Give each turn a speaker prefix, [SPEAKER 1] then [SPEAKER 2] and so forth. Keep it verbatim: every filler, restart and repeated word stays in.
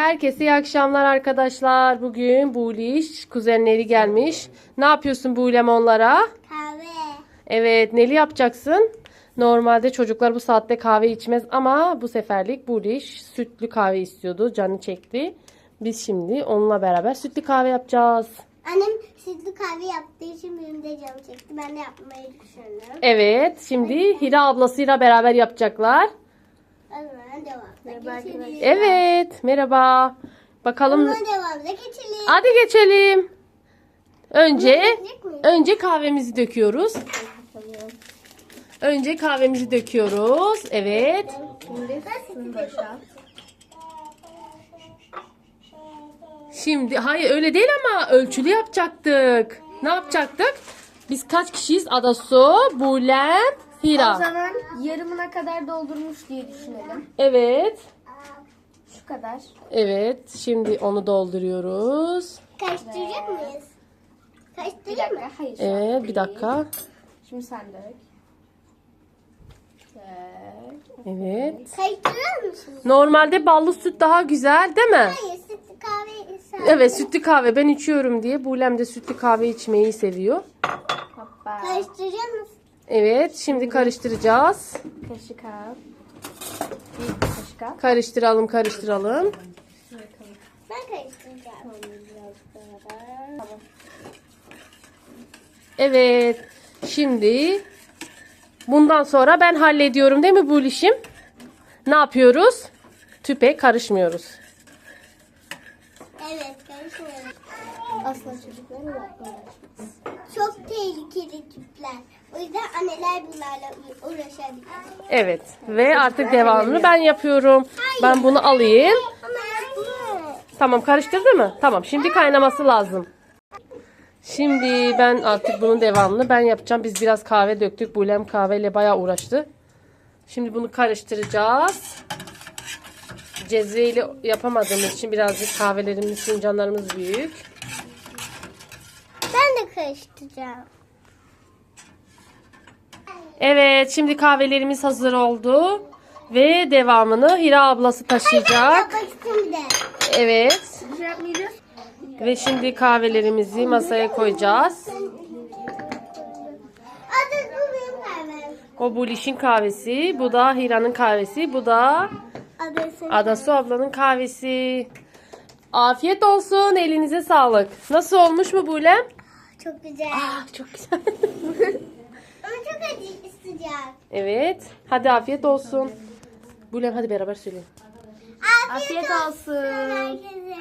[SPEAKER 1] Herkese iyi akşamlar arkadaşlar. Bugün Buliş kuzenleri gelmiş. Ne yapıyorsun Bulem onlara?
[SPEAKER 2] Kahve.
[SPEAKER 1] Evet, neli yapacaksın? Normalde çocuklar bu saatte kahve içmez ama bu seferlik Buliş sütlü kahve istiyordu. Canı çekti. Biz şimdi onunla beraber sütlü kahve yapacağız.
[SPEAKER 2] Annem sütlü kahve yaptığı için benim de canım çekti. Ben de yapmayı düşünüyorum.
[SPEAKER 1] Evet, şimdi Hira ablasıyla beraber yapacaklar.
[SPEAKER 2] Hemen devamda geçelim.
[SPEAKER 1] Evet, merhaba. Bakalım.
[SPEAKER 2] Hemen devamda geçelim.
[SPEAKER 1] Hadi geçelim. Önce
[SPEAKER 2] Geçecek miyiz?
[SPEAKER 1] önce kahvemizi döküyoruz. Önce kahvemizi döküyoruz. Evet.
[SPEAKER 2] Şimdi sütü boşalt.
[SPEAKER 1] Şimdi hayır öyle değil ama ölçülü yapacaktık. Ne yapacaktık? Biz kaç kişiyiz? Adasu, Bulem,
[SPEAKER 3] O
[SPEAKER 1] Hira.
[SPEAKER 3] zaman yarımına kadar doldurmuş diye düşünelim.
[SPEAKER 1] Evet.
[SPEAKER 3] Şu kadar.
[SPEAKER 1] Evet. Şimdi onu dolduruyoruz.
[SPEAKER 2] Karıştıracak mıyız?
[SPEAKER 3] Bir
[SPEAKER 2] Karıştıracak mı?
[SPEAKER 3] dakika. Hayır. şu an
[SPEAKER 1] Evet, bir
[SPEAKER 3] değil.
[SPEAKER 1] dakika.
[SPEAKER 3] Şimdi sen dök. Dök.
[SPEAKER 1] Evet.
[SPEAKER 2] Karıştırır mısın?
[SPEAKER 1] Normalde ballı süt daha güzel, değil mi?
[SPEAKER 2] Hayır, sütlü kahve ise.
[SPEAKER 1] Evet, sütlü kahve ben içiyorum diye. Bulem de sütlü kahve içmeyi seviyor.
[SPEAKER 3] Hoppa.
[SPEAKER 2] Karıştıracak mısın?
[SPEAKER 1] Evet, şimdi karıştıracağız.
[SPEAKER 3] Kaşık al. Bir kaşık al.
[SPEAKER 1] Karıştıralım, karıştıralım.
[SPEAKER 2] Ben karıştıracağım.
[SPEAKER 3] Tamam.
[SPEAKER 1] Evet. Şimdi bundan sonra ben hallediyorum değil mi bu işim? Ne yapıyoruz? Tüpe karışmıyoruz.
[SPEAKER 2] Evet, karıştırıyorum.
[SPEAKER 3] Asla çocuklara yapmıyorlar.
[SPEAKER 2] Çok tehlikeli tüpler. O yüzden anneler bunlarla uğraşabilir.
[SPEAKER 1] Evet. Ve artık devamını ben yapıyorum. Ben bunu alayım.
[SPEAKER 2] Ama yapma.
[SPEAKER 1] Tamam, karıştırdı mı? Tamam. Şimdi kaynaması lazım. Şimdi ben artık bunun devamını ben yapacağım. Biz biraz kahve döktük. Bulem kahveyle bayağı uğraştı. Şimdi bunu karıştıracağız. Cezveyle yapamadığımız için birazcık kahvelerimiz, fincanlarımız büyük.
[SPEAKER 2] Ben de karıştıracağım.
[SPEAKER 1] Evet, şimdi kahvelerimiz hazır oldu. Ve devamını Hira ablası taşıyacak.
[SPEAKER 2] Yapmak istiyorum bir de.
[SPEAKER 1] Evet.
[SPEAKER 3] Bir şey yapmayacağız.
[SPEAKER 1] Ve şimdi kahvelerimizi masaya koyacağız.
[SPEAKER 2] Adı bu benim kahvem.
[SPEAKER 1] O Buliş'in kahvesi, bu da Hira'nın kahvesi, bu da
[SPEAKER 2] Adı senin.
[SPEAKER 1] Adasu ablanın kahvesi. Afiyet olsun, elinize sağlık. Nasıl olmuş mu Bulem?
[SPEAKER 2] Çok güzel.
[SPEAKER 1] Çok güzel.
[SPEAKER 2] Ama çok acı sıcak.
[SPEAKER 1] Evet, hadi afiyet olsun. Bulem hadi beraber söyleyelim.
[SPEAKER 2] Afiyet,
[SPEAKER 3] Afiyet olsun.
[SPEAKER 2] herkese.